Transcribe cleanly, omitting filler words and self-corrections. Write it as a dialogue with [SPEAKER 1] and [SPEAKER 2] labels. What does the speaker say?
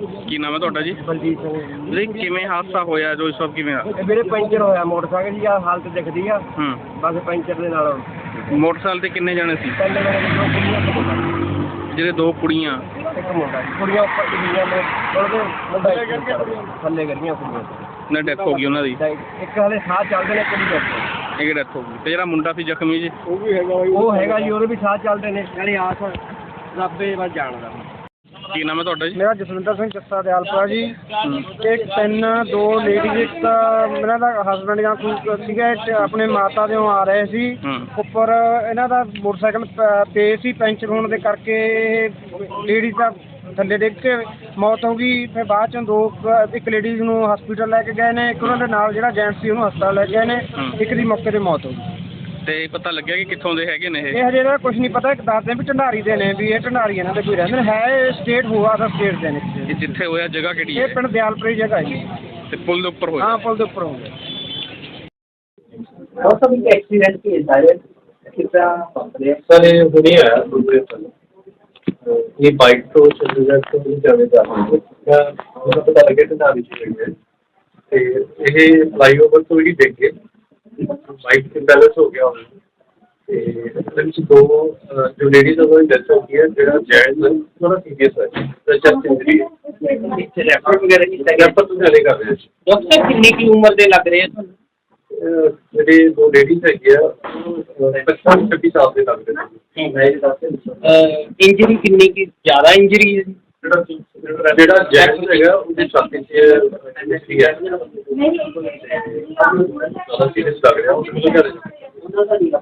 [SPEAKER 1] ਕੀ ਨਾਮ ਹੈ ਤੁਹਾਡਾ ਜੀ?
[SPEAKER 2] ਬਲਜੀਤ ਸਿੰਘ
[SPEAKER 1] ਜੀ ਕਿਵੇਂ ਹਾਦਸਾ ਹੋਇਆ ਜੋ ਇਸ ਵਕਤ ਕਿਵੇਂ ਆ?
[SPEAKER 2] ਇਹ ਵੀਰੇ ਪੈਂਚਰ ਹੋਇਆ ਮੋਟਰਸਾਈਕਲ ਦੀ ਆ ਹਾਲਤ ਦਿਖਦੀ ਆ ਬਸ ਪੈਂਚਰ ਦੇ ਨਾਲ।
[SPEAKER 1] ਮੋਟਰਸਾਈਕਲ ਤੇ ਕਿੰਨੇ ਜਣੇ ਸੀ?
[SPEAKER 2] ਪਹਿਲੇ ਮੇਰੇ ਦੋ ਕੁੜੀਆਂ ਇੱਕ ਮੁੰਡਾ।
[SPEAKER 1] ਜਿਹੜੇ ਦੋ ਕੁੜੀਆਂ
[SPEAKER 2] ਇੱਕ ਮੁੰਡਾ ਕੁੜੀਆਂ ਉੱਪਰ ਡਿੱਗੀਆਂ ਨੇ ਉਹਦੇ ਮੁੰਡਾ ਥੱਲੇ ਕਰੀਆਂ ਕੁੜੀਆਂ
[SPEAKER 1] ਨੇ ਡੈਥ ਹੋ ਗਈ ਉਹਨਾਂ ਦੀ।
[SPEAKER 2] ਇੱਕ ਹਲੇ ਸਾਹ ਚੱਲਦੇ ਨੇ ਕੁੜੀ ਦੇ
[SPEAKER 1] ਇੱਕ ਡੈਥ ਹੋ ਗਈ ਤੇ ਜਿਹੜਾ ਮੁੰਡਾ ਸੀ ਜ਼ਖਮੀ ਜੀ
[SPEAKER 2] ਉਹ ਵੀ ਹੈਗਾ ਉਹ ਹੈਗਾ ਜੀ ਉਹਦੇ ਵੀ ਸਾਹ ਚੱਲਦੇ ਨੇ ਨਾਲੇ ਆਸ ਰੱਬੇ ਵੱਲ ਜਾਣਦਾ।
[SPEAKER 1] ਕੀ ਨਾਮ ਹੈ ਤੁਹਾਡਾ ਜੀ?
[SPEAKER 2] ਮੇਰਾ ਜਸਵਿੰਦਰ ਸਿੰਘ ਜੱਸਾ ਦਿਆਲਪੁਰਾ ਜੀ। ਇੱਕ ਤਿੰਨ ਦੋ ਲੇਡੀਜ਼ ਇੱਕ ਇਹਨਾਂ ਦਾ ਹਸਬੈਂਡ ਜਾਂ ਕੋਈ ਸੀਗਾ ਆਪਣੇ ਮਾਤਾ ਦੇ ਆ ਰਹੇ ਸੀ ਉੱਪਰ ਇਹਨਾਂ ਦਾ ਮੋਟਰਸਾਈਕਲ ਪੇ ਸੀ ਪੈਂਚਰ ਹੋਣ ਦੇ ਕਰਕੇ ਲੇਡੀਜ਼ ਦਾ ਥੱਲੇ ਡਿੱਗ ਕੇ ਮੌਤ ਹੋ ਗਈ। ਫਿਰ ਬਾਅਦ ਚੋਂ ਇੱਕ ਲੇਡੀਜ਼ ਨੂੰ ਹਸਪੀਟਲ ਲੈ ਕੇ ਗਏ ਨੇ, ਇੱਕ ਉਹਨਾਂ ਦੇ ਨਾਲ ਜਿਹੜਾ ਜੈਂਟਸ ਸੀ ਉਹਨੂੰ ਹਸਪਤਾਲ ਲੈ ਕੇ ਗਏ ਨੇ, ਇੱਕ ਦੀ ਮੌਕੇ 'ਤੇ ਮੌਤ ਹੋ ਗਈ।
[SPEAKER 1] ਤੇ ਪਤਾ ਲੱਗਿਆ ਕਿ ਕਿੱਥੋਂ ਦੇ ਹੈਗੇ ਨੇ
[SPEAKER 2] ਇਹ ਹਜੇ ਦਾ ਕੁਝ ਨਹੀਂ ਪਤਾ। ਇੱਕ ਦੱਸਦੇ ਵੀ ਢੰਡਾਰੀ ਦੇ ਨੇ ਵੀ ਇਹ ਢੰਡਾਰੀ ਇਹਨਾਂ ਦੇ ਕੋਈ ਰਹਿੰਦੇ ਨੇ ਹੈ ਸਟੇਟ ਹੋਆ ਦਾ ਸਟੇਟ ਦੇ ਨੇ।
[SPEAKER 1] ਇਹ ਜਿੱਥੇ ਹੋਇਆ ਜਗ੍ਹਾ ਕਿਹੜੀ ਹੈ?
[SPEAKER 2] ਇਹ ਪਿੰਡ ਦਿਆਲਪੁਰੀ ਜਗ੍ਹਾ ਹੈ
[SPEAKER 1] ਤੇ ਪੁਲ ਦੇ ਉੱਪਰ ਹੋਇਆ?
[SPEAKER 2] ਹਾਂ ਪੁਲ ਦੇ ਉੱਪਰ ਹੋ ਗਿਆ।
[SPEAKER 3] और सब इनका एक्सीडेंट की है कितना सर ये हुई है दूसरे पर ये बाइक तो चंडीगढ़ से जाने जा रही है मुझे पता लगे तो ना भी है ਤੇ ਇਹ ਫਲਾਈਓਵਰ ਤੋਂ ਹੀ ਡਿੱਗ ਗਏ। ਬਾਈਕ ਇੰਬੈਲੈਂਸ ਹੋ ਗਿਆ ਉਹਨਾਂ ਤੇ ਇਹਦੇ ਵਿੱਚ ਦੋ ਜੋ ਲੇਡੀਜ਼ ਉਹਨਾਂ ਦੀ ਡੈਥ ਹੋ ਗਈ ਹੈ। ਜਿਹੜਾ ਜੈਂਟਸ ਥੋੜਾ ਸੀਰੀਅਸ ਹੈ ਚੈਸਟ ਇੰਜਰੀ ਹੈ। ਰੈਫਰ ਵਗੈਰਾ ਕੀਤਾ ਗਿਆ ਪਰ ਤੁਸੀਂ ਹਲੇ ਕਰ ਰਹੇ ਹੋ। ਡਾਕਟਰ ਕਿੰਨੀ ਕੀ ਉਮਰ ਦੇ ਲੱਗ ਰਹੇ ਆ? ਜਿਹੜੇ ਦੋ ਲੇਡੀਜ਼ ਹੈਗੇ ਆ 55-56 ਸਾਲ ਦੇ ਲੱਗਦੇ ਨੇ। ਇੰਜਰੀ ਕਿੰਨੀ ਕੀ ਜ਼ਿਆਦਾ ਇੰਜਰੀ ਹੈ? ਜਿਹੜਾ ਜੈਕਸ ਹੈਗਾ ਉਹਦੀ ਛਾਤੀ 'ਚ ਇੰਜਰੀ ਹੈ ਜ਼ਿਆਦਾ ਸੀਰੀਅਸ ਲੱਗ ਰਿਹਾ। ਉਹ